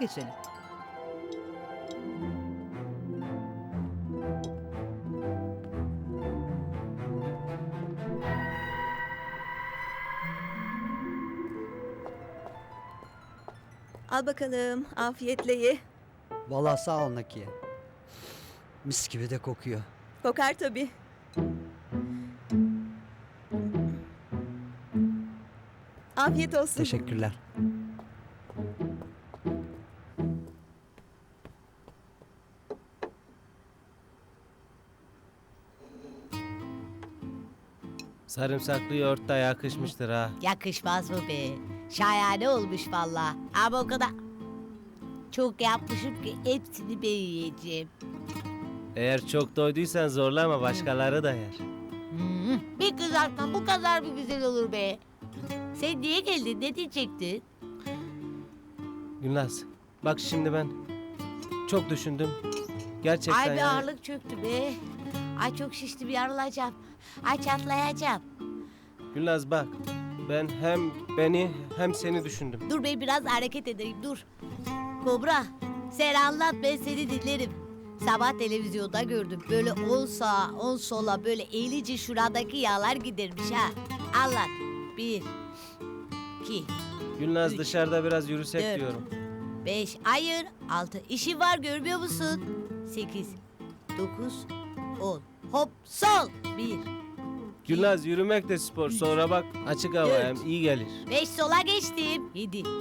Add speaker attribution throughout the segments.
Speaker 1: geçelim.
Speaker 2: Al bakalım, afiyetle ye.
Speaker 3: Vallahi sağ ol Nakiye. Mis gibi de kokuyor.
Speaker 2: Kokar tabii. Afiyet olsun.
Speaker 3: Teşekkürler.
Speaker 4: Sarımsaklı yoğurt da yakışmıştır ha.
Speaker 5: Yakışmaz mı be? Şahane olmuş valla. Ama o kadar çok yapmışım ki hepsini ben yiyeceğim.
Speaker 4: Eğer çok doyduysan zorlama, başkaları da yer.
Speaker 5: Bir kızartma bu kadar mı güzel olur be? Sen niye geldin? Ne diyecektin?
Speaker 4: Gülnaz, bak şimdi ben çok düşündüm. Gerçekten
Speaker 5: Ay bir
Speaker 4: yani.
Speaker 5: ağırlık çöktü be. Ay çok şiştim yarılacağım. Ay çatlayacağım.
Speaker 4: Gülnaz bak, ben hem beni hem seni düşündüm.
Speaker 5: Dur be biraz hareket edeyim dur. Kobra sen anlat ben seni dinlerim. Sabah televizyonda gördüm. Böyle 10 sağa 10 sola böyle eğilici şuradaki yağlar gidermiş ha. Anlat. 1 2
Speaker 4: Gülnaz
Speaker 5: 3,
Speaker 4: dışarıda biraz yürüsek
Speaker 5: 4,
Speaker 4: diyorum.
Speaker 5: 5 hayır 6 işi var görmüyor musun? 8 9 10 hop sol 1
Speaker 4: Gülnaz yürümek de spor. Sonra bak açık hava
Speaker 5: Dört.
Speaker 4: hem iyi gelir.
Speaker 5: 5 sola geçtim. 7 8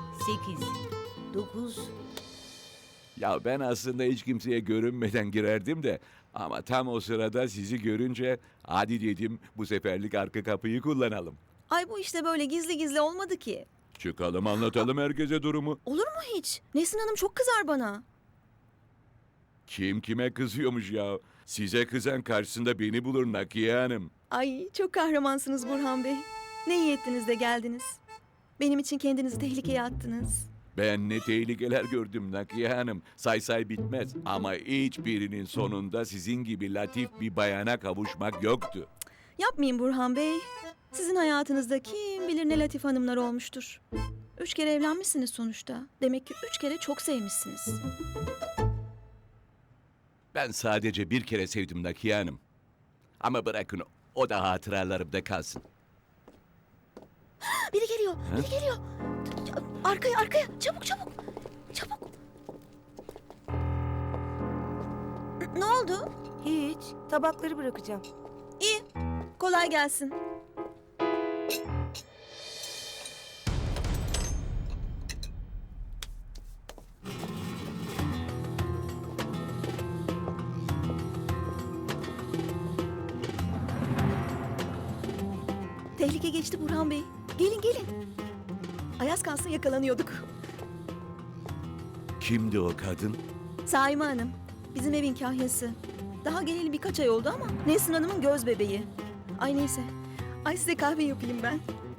Speaker 5: 9
Speaker 6: Ya ben aslında hiç kimseye görünmeden girerdim de ama tam o sırada sizi görünce hadi dedim bu seferlik arka kapıyı kullanalım.
Speaker 2: Ay bu işte böyle gizli gizli olmadı ki.
Speaker 6: Çıkalım anlatalım herkese durumu.
Speaker 2: Olur mu hiç? Nesrin Hanım çok kızar bana.
Speaker 6: Kim kime kızıyormuş ya? Size kızan karşısında beni bulur Nakiye Hanım.
Speaker 2: Ay çok kahramansınız Burhan Bey. Ne iyi ettiniz de geldiniz. Benim için kendinizi tehlikeye attınız.
Speaker 6: Ben ne tehlikeler gördüm Nakiye Hanım. Say bitmez ama hiçbirinin sonunda sizin gibi latif bir bayana kavuşmak yoktu.
Speaker 2: Yapmayın Burhan Bey. Sizin hayatınızda kim bilir ne Latif Hanımlar olmuştur. 3 kere evlenmişsiniz sonuçta. Demek ki 3 kere çok sevmişsiniz.
Speaker 6: Ben sadece bir kere sevdim Nakiye Hanım. Ama bırakın o da hatıralarımda kalsın.
Speaker 2: Biri geliyor, biri geliyor. Arkaya, arkaya. Çabuk, çabuk. Çabuk. Ne oldu?
Speaker 7: Hiç. Tabakları bırakacağım.
Speaker 2: İyi. Kolay gelsin. Tehlike geçti Burhan Bey. Gelin gelin. Ayaz kalsın yakalanıyorduk.
Speaker 6: Kimdi o kadın?
Speaker 2: Saime Hanım. Bizim evin kahyası. Daha geleli birkaç ay oldu ama Nesrin Hanım'ın göz bebeği. Ay neyse. Ay size kahve yapayım ben.